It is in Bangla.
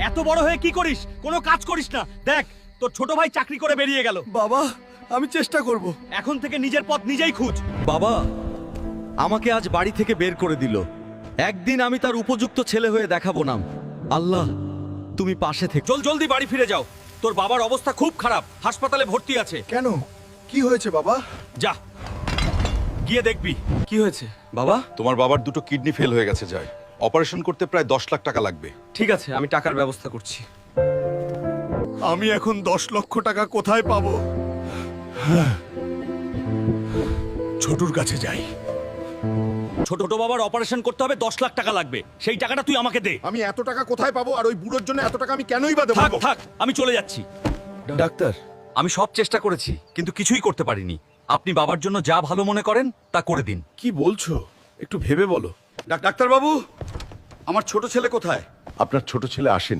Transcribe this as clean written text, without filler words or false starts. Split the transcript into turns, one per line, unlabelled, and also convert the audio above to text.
এত বড় হয়ে কি করিস? কোনো কাজ করিস না। দেখ তোর ছোট ভাই চাকরি করে বেরিয়ে গেল।
বাবা, আমি চেষ্টা করব।
এখন থেকে নিজের পথ নিজেই খুঁজ।
বাবা আমাকে আজ বাড়ি থেকে বের করে দিল। একদিন আমি তার উপযুক্ত ছেলে হয়ে দেখাবো না। আল্লাহ তুমি পাশে থেকে।
জলদি বাড়ি ফিরে যাও। তোর বাবার অবস্থা খুব খারাপ, হাসপাতালে ভর্তি আছে।
কেন, কি হয়েছে বাবা?
যা গিয়ে দেখবি।
কি হয়েছে বাবা?
তোমার বাবার দুটো কিডনি ফেল হয়ে গেছে, যায় অপারেশন করতে প্রায় 10 লাখ টাকা লাগবে।
ঠিক আছে, আমি টাকার ব্যবস্থা করছি।
আমি এখন 10 লক্ষ টাকা কোথায় পাবো? ছোটুর কাছে যাই।
ছোট বাবার অপারেশন করতে হবে, 10 লাখ টাকা লাগবে। সেই টাকাটা তুই আমাকে দে।
আমি এত টাকা কোথায় পাবো? আর ওই বুড়োর জন্য এত টাকা আমি কেনই বা দেবো?
থাক থাক, আমি চলে যাচ্ছি।
ডাক্তার, আমি সব চেষ্টা করেছি কিন্তু কিছুই করতে পারিনি। আপনি বাবার জন্য যা ভালো মনে করেন তা করে দিন।
কি বলছো? একটু ভেবে বলো।
ডাক্তার বাবু, আমার ছোট ছেলে কোথায়?
আপনার ছোট ছেলে আসেনি।